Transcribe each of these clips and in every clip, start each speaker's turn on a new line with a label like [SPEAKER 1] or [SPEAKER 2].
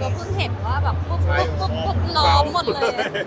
[SPEAKER 1] ก็เพิ่งเห็นว่าแบบปุ๊บล้อมหมดเลย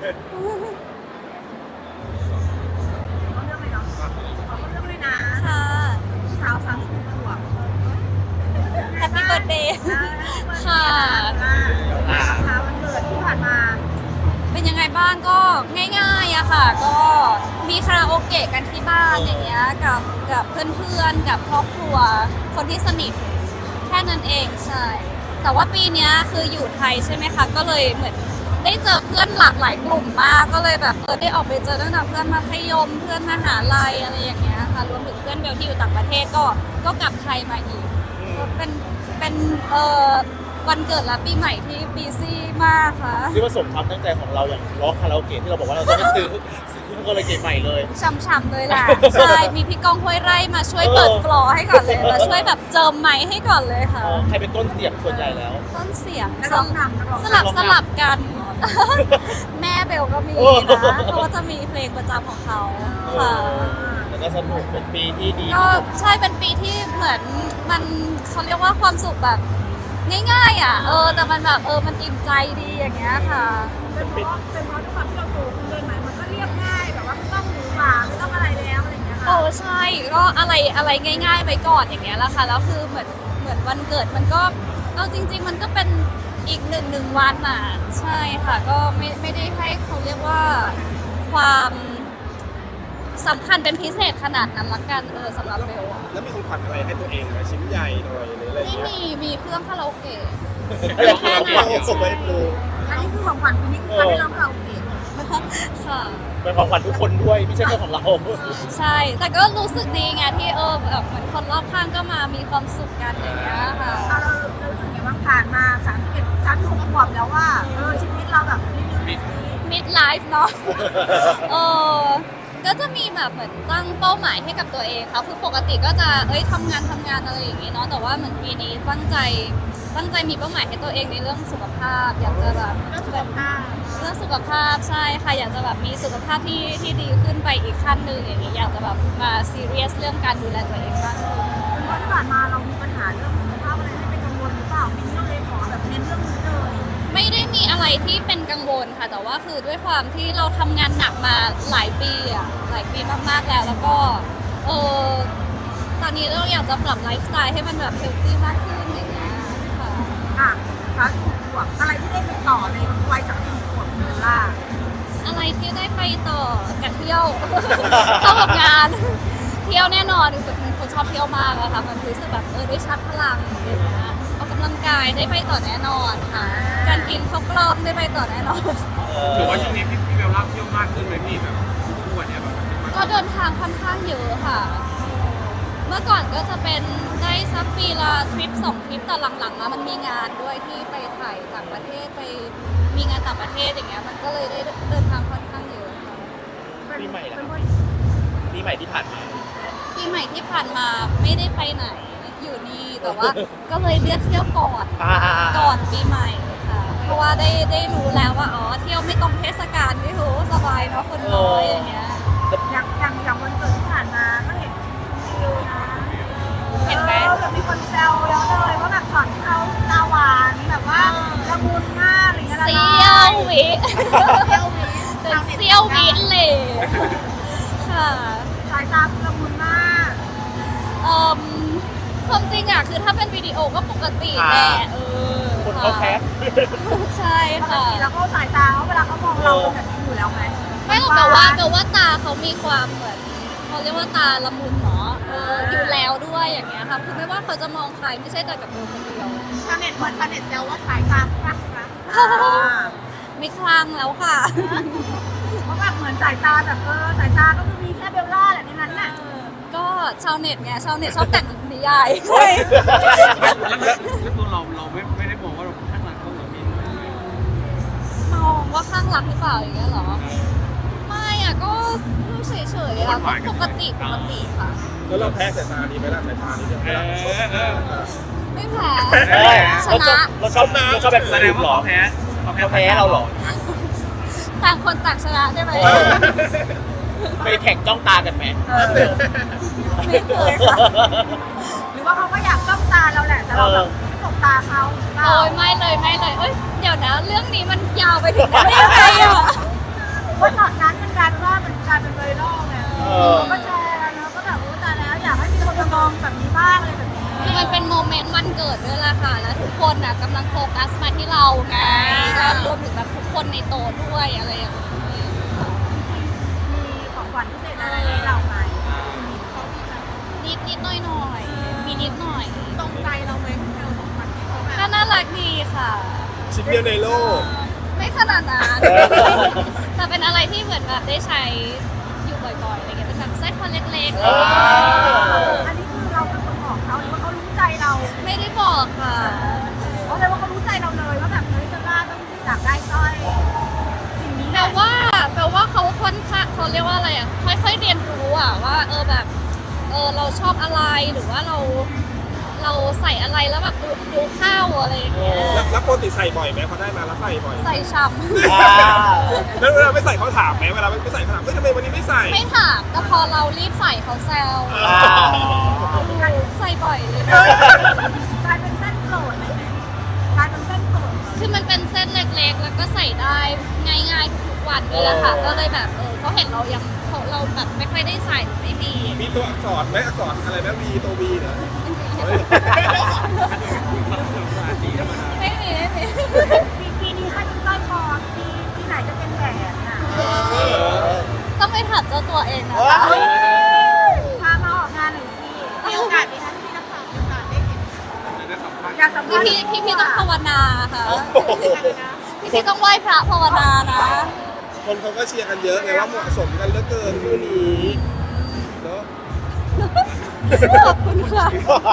[SPEAKER 2] เขาเรื่องเลยเนาะเขาเรื่องเลยนะ
[SPEAKER 1] ค่ะ
[SPEAKER 2] สาว30 ขวบ
[SPEAKER 1] แฮปปี้เบิร์ดเดย์ค่ะ
[SPEAKER 2] วันเกิดที่ผ่านมา
[SPEAKER 1] เป็นยังไงบ้างก็ง่ายๆอะค่ะ ก็มีคาราโอเกะกันที่บ้านอย่างเงี้ยกับเพื่อนๆกับครอบครัวคนที่สนิทแค่นั้นเองใช่ แต่ว่าปีเนี้ยคืออยู่ไทยใช่ไหมคะก็เลยเหมือนได้เจอเพื่อนหลากหลายกลุ่มมากก็เลยแบบได้ออกไปเจอตั้งแต่เพื่อนมัธยมเพื่อนมหาลัยอะไรอย่างเงี้ยค่ะรวมถึงเพื่อนเบลที่อยู่ต่างประเทศก็กลับไทยมาอีกก็เป็นวันเกิดและปีใหม่ที่บีซี่มากค่ะ
[SPEAKER 3] ที่ว่าสมความตั้งใจของเราอย่างร้องคาราโอเกะที่เราบอกว่าเราจะไม่ซื้อคาราโอเกะใหม่เลย
[SPEAKER 1] ช่ำๆเลยแหละ ใช่ มีพี่ก้องห้วยไร่มาช่วยเปิดฟลอร์ให้ก่อนเลยมาช่วยแบบเจิมไมค์ให้ก่อนเลยค่ะ
[SPEAKER 3] ใครเป็นต้นเสียงส่วนใหญ่แล้ว
[SPEAKER 1] ต้นเสียง
[SPEAKER 2] นักร้องนำนักร้อง
[SPEAKER 1] สลับกัน แม่เบลก็มีนะเขาก็จะมีเพลงประจำของเขาค่ะ
[SPEAKER 3] แล้วก็สนุกเป็นปีที่ดี
[SPEAKER 1] ก็ใช่เป็นปีที่เหมือนมันเขาเรียกว่าความสุขแบบง่ายๆอ่ะแต่มันแบบมันอิ่มใจดีอย่างเงี้ยค่ะ
[SPEAKER 2] เป็นเพราะด้วยความที่เราโตขึ้นเลยไหมมันก็เรียบง่ายแบบว่าไม่ต้องหรูหราไม่ต้องอะไรแล้วอะไรอย่างเงี้ยค่ะ
[SPEAKER 1] ใช่ก็อะไรง่ายๆไปก่อนอย่างเงี้ยแหละค่ะแล้วคือเหมือนวันเกิดมันก็เอาจริง ๆ มันก็เป็นอีกหนึ่งวันอ่ะใช่ค่ะก็ไม่ได้ให้เขาเรียกว่าความสำคัญเป็นพิเศษขนาดนั้นละกันสำหรับเบลอะ
[SPEAKER 4] แล้วมีของขวัญอะไรให้ตัวเองไหมชิ้นใหญ่หน่อยหรืออะไร
[SPEAKER 1] ไม่
[SPEAKER 4] เงี้ย
[SPEAKER 1] มีเครื่องคาราโอเกะ
[SPEAKER 3] แค่
[SPEAKER 1] แค่
[SPEAKER 3] นั้น
[SPEAKER 1] นั้น
[SPEAKER 4] ส่งไปดู
[SPEAKER 2] อันนี้คือของขวัญปีนี้คือการได้ร้องคาราโอเกะ
[SPEAKER 1] ค่ะ
[SPEAKER 3] เป็นของขวัญทุกคนด้วยไม่ใช่แค่ของเรา
[SPEAKER 1] ใช่ แต่ก็รู้สึกดีไงที่แบบเหมือนคนรอบข้างก็มามีความสุขกันอย่างเงี้ยค่ะ
[SPEAKER 2] เรารู้สึกไงบ้างผ่านมา36 ขวบแล้วว่าชีวิตเราแบบรีวิว
[SPEAKER 1] mid life เนาะ ก็จะมีแบบเหมือนตั้งเป้าหมายให้กับตัวเองค่ะคือปกติก็จะทำงานอะไรอย่างงี้เนาะแต่ว่าเหมือนปีนี้ตั้งใจมีเป้าหมายให้ตัวเองในเรื่องสุขภาพอยากจะแบบ
[SPEAKER 2] เรื่องสุขภาพ
[SPEAKER 1] เรื่องสุขภาพใช่ค่ะอยากจะแบบมีสุขภาพที่ดีขึ้นไปอีกขั้นหนึ่งอย่างเงี้ยอยากจะแบบมาซีเรียสเรื่องการดูแลตัวเองมากขึ้น
[SPEAKER 2] เพราะที่ผ่านมาเรามีปัญหาเรื่องสุขภาพอะไรที่เป็นกังวลหรือเปล่าปีนี้เราเลยขอแบบเน้นเรื่องนี้เลย
[SPEAKER 1] ไม่ได้มีอะไรที่เป็นกังวลค่ะแต่ว่าคือด้วยความที่เราทำงานหนักมาหลายปีมากๆแล้วก็ตอนนี้เราอยากจะปรับไลฟ์สไตล์ให้มันแบบเฮลตี้มากขึ้นอย่างเงี้ยค่ะ
[SPEAKER 2] 36 ขวบอะไรที่ได้ไปต่อในวัย36 ขวบเบลล่า
[SPEAKER 1] อะไรที่ได้ไปต่อกับเที่ยว เข้ากับงาน เที่ยวแน่นอนเป็นคนชอบเที่ยวมากอะค่ะมันรู้สึกแบบได้ชาร์จพลังอย่างเงี้ยออกกำลังกายได้ไปต่อแน่นอนค่ะการกินข้าวกล้องได้ไปต่อแน่นอน
[SPEAKER 4] ถือว่าช่วงนี้พี่เบลล่าเที่ยวมากขึ้นไหมพี่แบบทุกวันเนี้ยแบบ
[SPEAKER 1] ก็เดินทางค่อนข้างเยอะค่ะ เมื่อก่อนก็จะเป็นได้สักปีละทริป2 ทริปแต่หลังๆมามันมีงานด้วยที่ไปถ่ายต่างประเทศไปมีงานต่างประเทศอย่างเงี้ยมันก็เลยได้เดินทางค่อนข้างเยอะค่ะ
[SPEAKER 3] ปีใหม่แล้วปีใหม่ที่ผ่านมา
[SPEAKER 1] ปีใหม่ที่ผ่านมาไม่ได้ไปไหนอยู่นี่แต่ว่า ก็เลยเลือกเที่ยวก่อนปีใหม่ค่ะ เพราะว่าได้รู้แล้วว่าเที่ยวไม่ตรงเทศกาลไม่รู้สบายเนาะคนน้อยอย่างเงี้ย
[SPEAKER 2] อย่างวันเกิดที่ผ่านมาก็เห็นวิวนะ
[SPEAKER 1] เห็นไหม
[SPEAKER 2] แบบมีคนแซวแล้วเลยว่าแบบช็อตเขาตาหวานแบบว่าละมุนมากอะไรเงี้ย
[SPEAKER 1] เซี่ยววิ
[SPEAKER 2] เซี่ยววิ
[SPEAKER 1] เป็นเซี่ยววิเลยค่ะ
[SPEAKER 2] สายตาคือละมุนมาก
[SPEAKER 1] ความจริงอะคือถ้าเป็นวิดีโอก็ปกติแหละ
[SPEAKER 3] คนเขาแคป
[SPEAKER 1] ใช่
[SPEAKER 2] ปก
[SPEAKER 1] ค่ะ
[SPEAKER 2] ติแล้วก็สายตาเขาเวลาเขามองเราเป็นแบบนี้อยู่แล้วไหม
[SPEAKER 1] ไม่หรอกแต่ว่าตาเขามีความเหมือนเขาเรียกว่าตาละมุนเนาะอยู่แล้วด้วยอย่างเงี้ยค่ะคือไม่ว่าเขาจะมองใครไม่ใช่แต่กับเบลคนเดียว
[SPEAKER 2] ชาวเน็ตเหมือนชาวเน็ตแซวว่าสายตาคลั่งรัก
[SPEAKER 1] ไม่คลั่งแล้วค่ะ
[SPEAKER 2] เพราะแบบเหมือนสายตาแบบสายตาก็คือมีแค่เบลล่าแหละในนั้นน่ะ
[SPEAKER 1] ก็ชาวเน็ตไงชาวเน็ตชอบแต่งนิยาย
[SPEAKER 4] แล้วตัวเราไม่ได้มองว่าเราข้างหลังเขาเหรอพี่
[SPEAKER 1] มองว่าข้างรักหรือเปล่าอย่างเงี้ยเหรอไม่อะก็เฉยๆอะก็ปกติค่ะ
[SPEAKER 4] แล้วเราแพ้สายตาดีไหมล่ะสายตาดีเดียว
[SPEAKER 1] ไม่แพ้ ช
[SPEAKER 3] เราชอ
[SPEAKER 1] นะ
[SPEAKER 3] บเราชอบแบบ
[SPEAKER 4] แสดงว่าเขาแพ้
[SPEAKER 3] เราเหรอ
[SPEAKER 1] ต่างคนต่างชนะได้ไหม
[SPEAKER 3] ไปแข่งจ้องตากันไหม
[SPEAKER 1] ไม่เคยค่ะ
[SPEAKER 2] หรือว่าเขาก็อยากจ้องตาเราแหละแต่เราแบบไม่เคสบตาเขาหรือเปล่า
[SPEAKER 1] โอ้ยไม่เลยไม่เลยเอ้ยเดี๋ยวนะเรื่องนี้มันยาวไปถึงได้ยังไงอ่ะ
[SPEAKER 2] เพราะตอนนั้นมันกลายเป็นว่ามันกลายเป็นไวรัลไง
[SPEAKER 3] เออ
[SPEAKER 2] ก็แชร์กันแล้วก็แบบรู้ตายแล้วอยากให้มีคนมามองแบบนี้บ้างอะไรแบบนี้
[SPEAKER 1] คือมันเป็นโมเมนต์วันเกิดด้วยล่ะค่ะแล้วทุกคนน่ะกำลังโฟกัสมาที่เราไงก็รวมถึงแบบทุกคนในโต๊ะด้วยอะไรอย่างเงี้ย
[SPEAKER 2] มีของขวัญพิเศษอะไรให้เราไหม
[SPEAKER 1] นิดหน่อยหน่อยมีนิดหน่อย
[SPEAKER 2] ตรงใจเราไหมที่เราของขวัญที่เขาแบบ
[SPEAKER 1] ก็น่ารักดีค่ะ
[SPEAKER 3] ชิ้นเดียวในโลก
[SPEAKER 1] ไม่ขนาดนั้นแต่เป็นอะไรที่เหมือนแบบได้ใช้อยู่บ่อยๆอะไรเงี้ยเป็นแบบสร้อยคอเล็กๆอะไรเงี้ย
[SPEAKER 2] อันนี้คือเราเป็นคนบอกเขาหรือว่าเขารู้ใจเรา
[SPEAKER 1] ไม่ได้บอกค่ะ
[SPEAKER 2] เพราะเลยว่าเขารู้ใจเราเลยว่าแบบเฮ้ยจะล่าต้องอยากได้สร้อยสิ่งนี้แห
[SPEAKER 1] แปล
[SPEAKER 2] ละ
[SPEAKER 1] ว่าเขาค่อนข้างเขาเรียกว่าอะไรอ่ะค่อยๆเรียนรู้อ่ะว่าแบบเราชอบอะไรหรือว่าเราใส่อะไรแล้วแบบดูเข้าอะไรอย่างเงี้ย
[SPEAKER 5] แล้วปกติใส่บ่อยไหมพอได้มาแล้วใส่บ่อย
[SPEAKER 1] ใส่ช้
[SPEAKER 3] อ่า
[SPEAKER 5] แล้วเวลาไม่ใส่เขาถามไหมเวลาไม่ใส่เขาถามเฮ้ยทำไมวันนี้ไม่ใส่
[SPEAKER 1] ำไม่ถามแต่พอเรารีบใส่เขาแซว
[SPEAKER 3] อ่า
[SPEAKER 1] ใส่บ่อยเลย
[SPEAKER 2] กลายเป็นเส้นโปรดเลยไหมกลายเป็นเส้นโปรด
[SPEAKER 1] คือมันเป็นเส้นเล็กๆ แล้วก็ใส่ได้ง่ายๆทุกๆวันด้วยแหละค่ะก็เลยแบบเขาเห็นเราแบบไม่ค่อยได้ใส่ไม่มี
[SPEAKER 5] มีตัวอักษรไหมอักษรอะไรนะวีตัววีเหรอ
[SPEAKER 1] ไม่มี
[SPEAKER 2] ปีนี้ให้เป็นสร้อยคอปีไหนจะเป็นแหวนน่ะ
[SPEAKER 1] ต้องไปถามเจ้าตัวเองนะ
[SPEAKER 3] ว้า
[SPEAKER 1] คะ
[SPEAKER 3] ว
[SPEAKER 2] พามาออกงานหน่อยสิมีโอกาสไหมคะที่นักข่าวมีโอกาสได้เห็นอยากสัมภาษณ์
[SPEAKER 1] พี่ต้องภาวนาค่ะ
[SPEAKER 3] โอ้โห
[SPEAKER 1] พี่ต้องไหว้พระภาวนานะ
[SPEAKER 5] คนเขาก็เชียร์กันเยอะไงว่าเหมาะสมกันเหลือเกินคู่นี้เนาะ
[SPEAKER 1] ขอบคุณค่ะ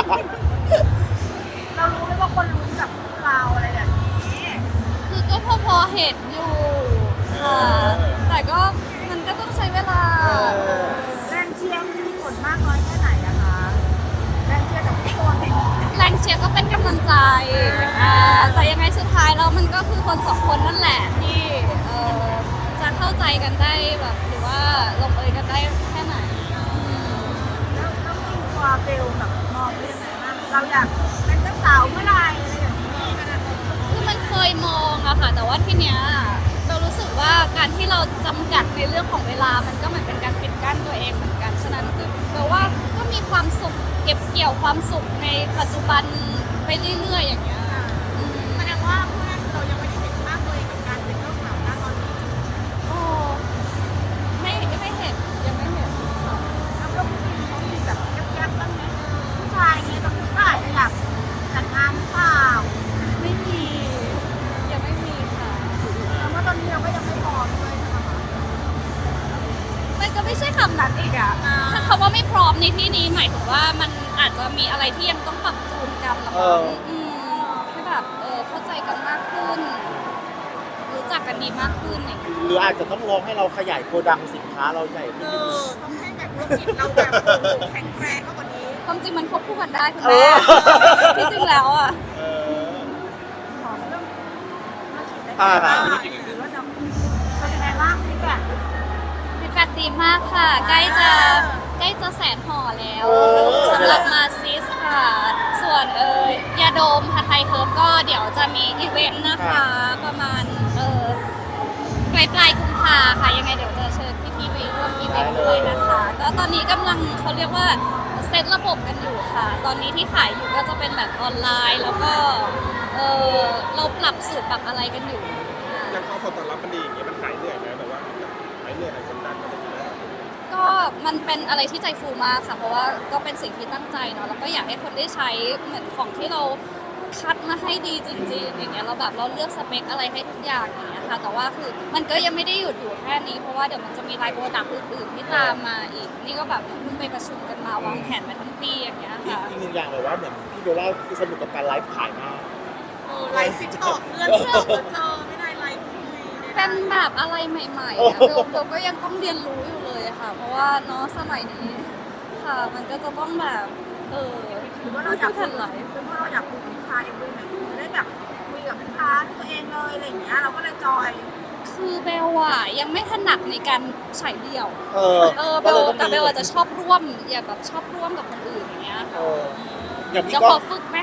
[SPEAKER 2] เรารู้ไหมว่าคนรู้กับเราอะไรแบบนี้
[SPEAKER 1] คือก็พอเห็นอยู่ค่ะ แต่ก็มันก็ต้องใช้เวลา
[SPEAKER 2] แรงเชียร์มีผลมากน้อยแค่ไหนอะคะแรงเชียร์จากทุกคน
[SPEAKER 1] แรงเชียร์ก็เป็นกำลังใจแต่ยังไงสุดท้ายแล้วมันก็คือคนสองคนนั่นแหละที่จะเข้าใจกันได้แบบหรือว่าลงเอยกันได้แค่ไหน
[SPEAKER 2] แล้วมีตัวเบลแบบมองเป็นยังไงบ้างเราอยากเป็นเจ้าสาวเมื่อไหร่อะไรอย่างนี้
[SPEAKER 1] คือมันเคยมองอะค่ะ แต่ว่าทีเนี้ยเรารู้สึกว่าการที่เราจำกัดในเรื่องของเวลามันก็เหมือนเป็นการปิดกั้นตัวเองเหมือนกันฉะนั้นคือแปลว่าก็มีความสุขเก็บเกี่ยวความสุขในปัจจุบันไปเรื่อยๆอย่างเงี้ย
[SPEAKER 2] แสดงว่าเพื่อนเรายังไม่ได้เห็นภาพตัวเองกับการเป็นเจ้าสาวนะตอนนี้
[SPEAKER 1] โอ้ไม่เห็นยังไม่เห็นค่ะ
[SPEAKER 2] แล้วก็ผู้หญิงเขามีแบบแยบๆบ้างไหมผู้ชายเงี้ยแบบผู้ชายอยากแต่งงานหรือเปล่า
[SPEAKER 1] ไม่มียังไม่มีค่ะ
[SPEAKER 2] แต่ว่าตอนนี้เราก็ยังไม่พร้อมด้วยใช่ไหมคะ
[SPEAKER 1] มันก็ไม่ใช่คำนั้นอีกอะถ้าคำว่าไม่พร้อมในที่นี้หมายถึงว่ามันอาจจะมีอะไรที่ยังต้องปรับจูนกันหรอให้แบบเข้าใจกันมากขึ้น รู้จักกันดีมากขึ้นอย่างเงี้ย
[SPEAKER 3] หรืออาจจะต้องลองให้เราขยายโกดังสินค้าเราใหญ่ขึ้นนิดนึง
[SPEAKER 2] ต้องให้แบบธุรกิจเราแบบแข็งแรงมากกว่านี้
[SPEAKER 1] ความจริงมันควบคู่กันได้คุณ
[SPEAKER 3] เอ
[SPEAKER 1] แม่
[SPEAKER 3] อ
[SPEAKER 1] ที่จริงแล้วอะ
[SPEAKER 3] เออ
[SPEAKER 2] ขอเรื่องธุรกิจได้ไหม
[SPEAKER 3] อ่า
[SPEAKER 2] หรือว่าจะเป็นยังไงบ้างฟีดแบ็ก
[SPEAKER 1] ฟีดแบ็กดีมากค่ะ ใกล้จะแสนห่อแล้ว
[SPEAKER 3] โอ้
[SPEAKER 1] สำหรับมาซิสค่ะ ส่วนยาดมฮาไทยเคิร์ฟก็เดี๋ยวจะมีอีเวนต์นะคะ ประมาณปลายกุมภาค่ะ ยังไงเดี๋ยวจะเชิญพี่ๆไปร่วมอีเวนต์ด้วยนะคะก็ตอนนี้กำลังเขาเรียกว่าเซตระบบกันอยู่ค่ะ ตอนนี้ที่ขายอยู่ก็จะเป็นแบบออนไลน์ แล้วก็เราปรับสูตรปรับอะไรกันอยู่
[SPEAKER 5] ยังพอผลตอบรับมันดีอย่างเงี้ยมันหายเหนื่อยไหมแบบว่าหายเหนื่อยหายกดดันอะไรอย่างเงี้ย
[SPEAKER 1] ก็มันเป็นอะไรที่ใจฟูมากค่ะ เพราะว่าก็เป็นสิ่งที่ตั้งใจเนาะแล้วก็อยากให้คนได้ใช้เหมือนของที่เราคัดมาให้ดีจริงๆอย่างเงี้ยเราแบบเราเลือกสเปคอะไรให้ทุกอย่างอย่างเงี้ยค่ะแต่ว่าคือมันก็ยังไม่ได้หยุดอยู่แค่นี้เพราะว่าเดี๋ยวมันจะมีไลน์โปรดักต์อื่นๆที่ตามมาอีก นี่ก็แบบเพิ่งไปประชุมกันมาวางแผนมาทั้งปีอย่างเงี้ยค่ะ
[SPEAKER 3] อีกหนึ่งอย่างเลยว่าเหมือนพี่เบลล่าสนุกกับการไลฟ์ขายมาก
[SPEAKER 2] ไลฟ์ซิกตอกเพื่อนเจอไม่ได้ไลฟ์คุยเนี่ย
[SPEAKER 1] เป็นแบบอะไรใหม่ๆอะเบลก็ยังต้องเรียนรู้อยู่เลยอะค่ะ เพราะว่าเนาะสมัยนี้ค่ะ มันก็จะต้องแบบ
[SPEAKER 2] หรือว่าเราอยาก
[SPEAKER 1] ทันไหล
[SPEAKER 2] หรือว่าเราอยากคุยกับลูกค้าเองด้วยไหมจะได้แบบคุยกับลูกค้าด้วยตัวเองเลยอะไรอย่างเงี้ยเราก็เลยจอย
[SPEAKER 1] คือเบลอะยังไม่ถนัดในการฉายเดี่ยว
[SPEAKER 3] ก็เลยต้อง
[SPEAKER 1] แต่เบลอะจะชอบร่วมอย่าแบบชอบร่วมกับคนอื่นอย่างเงี้ย
[SPEAKER 3] เอออย่างพี่
[SPEAKER 1] จะ
[SPEAKER 3] ก็
[SPEAKER 1] ขอฝึกไหมค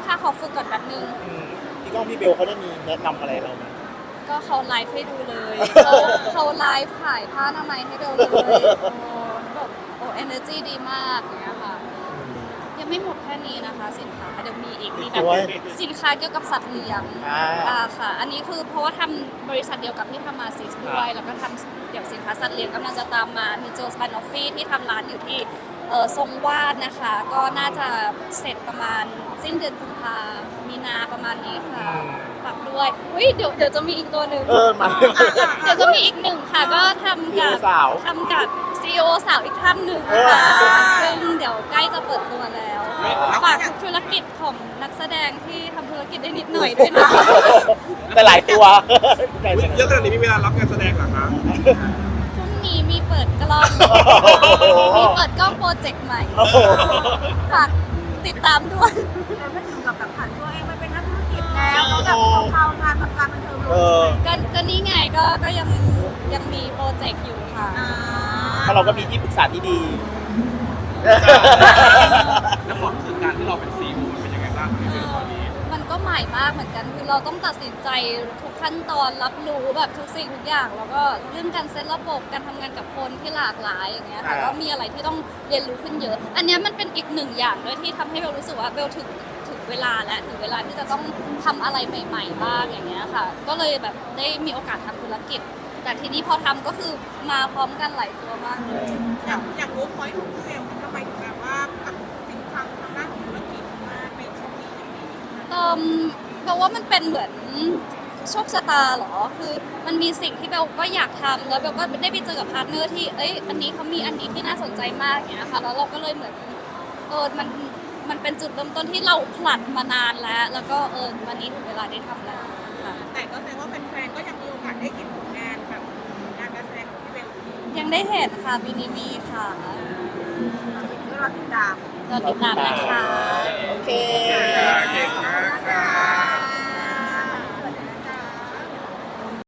[SPEAKER 1] ค่ะขอฝึกก่อนแป๊บนึง
[SPEAKER 3] พี่ก้องพี่เบลเขาได้มีแนะนำอะไรเราไหม
[SPEAKER 1] ก็เขาไลฟ์ให้ดูเลยเขาไลฟ์ขายผ้าอนามัยให้เบลเลยแบบเอเนอร์จีดีมากอย่างเงี้ยค่ะยังไม่หมดแค่นี้นะคะสินค้าเดี๋ยวมีอีกมีแบบสินค้าเกี่ยวกับสัตว์เลี้ยงค่ะอันนี้คือเพราะว่าทำบริษัทเดียวกับที่ทำมาซิสด้วยแล้วก็ทำเดี๋ยวสินค้าสัตว์เลี้ยงกำลังจะตามมามีโจสปานอฟฟี่ที่ทำร้านอยู่ที่ทรงวาดนะคะก็น่าจะเสร็จประมาณสิ้นเดือนกุมภามีนาประมาณนี้ค่ะฝากด้วยอุ้ยเดี๋ยวจะมีอีกตัวหนึ่ง
[SPEAKER 3] มา
[SPEAKER 1] เดี๋ยวจะมีอีกหนึ่งค่ะก็ทำกับ CEO สาวอีกท่านหนึ่งค่ะซึ่งเดี๋ยวใกล้จะเปิดตัวแล้วฝากธุรกิจของนักแสดงที่ทำธุรกิจได้นิดหน่อยด้วยนะ
[SPEAKER 3] แต่หลายตัว
[SPEAKER 5] อุ๊ยเยอะขนาดนี้มีเวลารับงานแสดงเหรอคะ
[SPEAKER 1] พรุ่งนี้มีเปิดกล้องมีเปิดกล้องโปรเจกต์ใหม่ฝากติดตามด้วย
[SPEAKER 2] แต่ไม่ถึงกับแบบผ่านตัวเองไปเป็นนักธุรกิจแล้วแล้วแบบเข้างานแบบการบันเทิงลง
[SPEAKER 1] ก็นี่ไงก็ยังมีโปรเจกต์อยู่ค่ะ
[SPEAKER 3] เพราะเราก็มีที่ปรึกษาที่ดี
[SPEAKER 4] แล้วความรู้สึกการที่เราเป็นซีอีโอมันเป็นยังไงบ้างพี่เบลตอนนี้
[SPEAKER 1] มันก็ใหม่มากเหมือนกันคือเราต้องตัดสินใจทุกขั้นตอนรับรู้แบบทุกสิ่งทุกอย่างแล้วก็เรื่องการเซตระบบการทำงานกับคนที่หลากหลายอย่างเงี้ยค่ะก็มีอะไรที่ต้องเรียนรู้ขึ้นเยอะ อันเนี้ยมันเป็นอีกหนึ่งอย่างด้วยที่ทำให้เบลรู้สึกว่าเบลถึงเวลาและถึงเวลาที่จะต้องทำอะไรใหม่ๆบ้างอย่างเงี้ยค่ะ ก็เลยแบบได้มีโอกาสทำธุรกิจ แต่ทีนี้พอทำก็คือมาพร้อมกันหลายตัวมากเลย
[SPEAKER 2] อยากรู้พอยต์ของพี่เบลทำไมถึงแบบว่ากับสินค้าทางด้านของธุรกิจมาเป็นช่วงนี้อย่างนี้
[SPEAKER 1] เพราะว่ามันเป็นเหมือนโชคชะตาเหรอ คือมันมีสิ่งที่เบลก็อยากทำแล้วเบลก็ได้ไปเจอกับพาร์ทเนอร์ที่อันนี้เขามีอันนี้ที่น่าสนใจมากอย่างเงี้ยค่ะ แล้วเราก็เลยเหมือนมันเป็นจุดเริ่มต้นที่เราผลัดมานานแล้วก็วันนี้ถึงเวลาได้ทำแล้วค่ะ
[SPEAKER 2] แต่ก็แสดงว่าแฟนๆก็ยังมีโอกาสได้เห็นผลงานแบบงานการแสดงของพี่เบลอยู่
[SPEAKER 1] ยังได้เห็นค่ะบินิมีค่ะ
[SPEAKER 2] ก็รอติดตาม
[SPEAKER 1] เราติดตามนะคะ